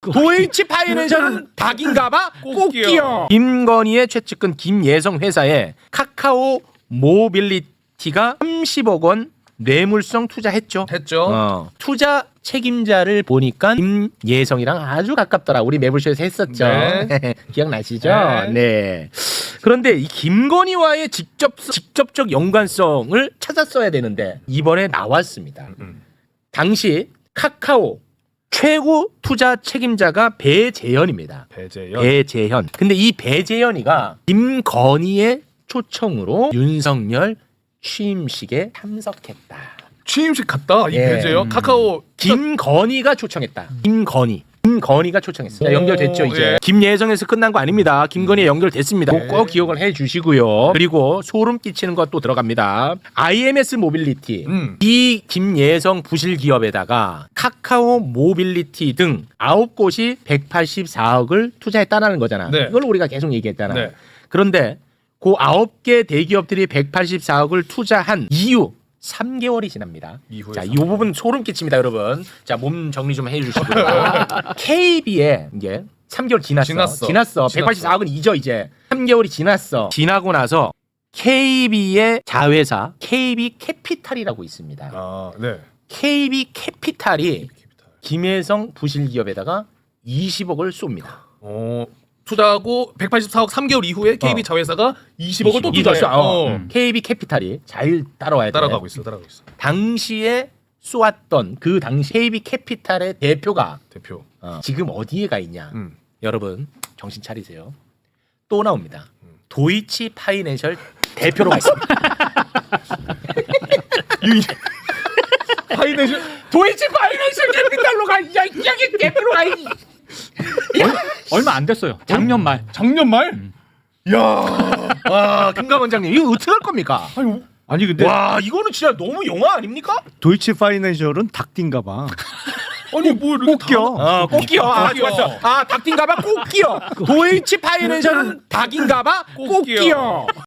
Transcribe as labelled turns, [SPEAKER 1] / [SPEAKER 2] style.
[SPEAKER 1] 도이치 파이낸셜은 닭인가봐 꼭기요. 김건희의 최측근 김예성 회사에 카카오 모빌리티가 30억 원 뇌물성 투자했죠.
[SPEAKER 2] 했죠.
[SPEAKER 1] 투자 책임자를 보니까 김예성이랑 아주 가깝더라. 우리 매불쇼에서 했었죠.
[SPEAKER 2] 네.
[SPEAKER 1] 기억나시죠? 네. 그런데 이 김건희와의 직접적 연관성을 찾았어야 되는데 이번에 나왔습니다. 당시 카카오 최고 투자 책임자가 배재현입니다. 배재현. 근데 이 배재현이가 김건희의 초청으로 윤석열 취임식에 참석했다.
[SPEAKER 2] 취임식 갔다. 이 배제요. 카카오
[SPEAKER 1] 김건희가 초청했다. 김건희가 초청했어요. 자, 연결됐죠 이제.
[SPEAKER 2] 예.
[SPEAKER 1] 김예성에서 끝난 거 아닙니다. 김건희 연결됐습니다. 꼭 기억을 해주시고요. 그리고 소름 끼치는 것도 들어갑니다. IMS 모빌리티 이 김예성 부실 기업에다가 카카오 모빌리티 등 9곳이 184억을 투자했다는 거잖아.
[SPEAKER 2] 네.
[SPEAKER 1] 이걸 우리가 계속 얘기했잖아.
[SPEAKER 2] 네.
[SPEAKER 1] 그런데 그 9개 대기업들이 184억을 투자한 이후 3개월이 지납니다. 자, 이 부분 소름 끼칩니다, 여러분. 자, 몸 정리 좀 해주시고요. KB에 이제 3개월 지났어. 184억은 잊어 이제. 3개월이 지났어. 지나고 나서 KB의 자회사 KB 캐피탈이라고 있습니다.
[SPEAKER 2] 아, 네.
[SPEAKER 1] KB 캐피탈이 김혜성 부실 기업에다가 20억을 쏩니다.
[SPEAKER 2] 투자하고 184억 3개월 이후에 KB 자회사가 20억을 또 투자해.
[SPEAKER 1] KB 캐피탈이 잘 따라와야 돼.
[SPEAKER 2] 따라가고 있어.
[SPEAKER 1] 당시에 쏘았던 그 당시 KB 캐피탈의 대표가
[SPEAKER 2] 대표.
[SPEAKER 1] 지금 어디에 가 있냐? 여러분 정신 차리세요. 또 나옵니다. 도이치 파이낸셜 대표로 가 있습니다.
[SPEAKER 2] 파이낸셜
[SPEAKER 1] 도이치 파이낸셜 캐피탈로 가. 야, 이게 대표로 가.
[SPEAKER 3] 얼마 안 됐어요. 작년 말.
[SPEAKER 2] 야.
[SPEAKER 1] 와, 김감 원장님 이거 어떻게 할 겁니까?
[SPEAKER 3] 아니 근데
[SPEAKER 1] 와, 이거는 진짜 너무 영화 아닙니까?
[SPEAKER 4] 도이치 파이낸셜은 닭띠인가 봐.
[SPEAKER 2] 아니 뭐 이렇게
[SPEAKER 4] 꼭기요.
[SPEAKER 1] 꼭기요. 아, 좋았어. 아, 닭인가봐 꼭기요. 도이치 파이낸셜은 닭인가봐 꼭기요.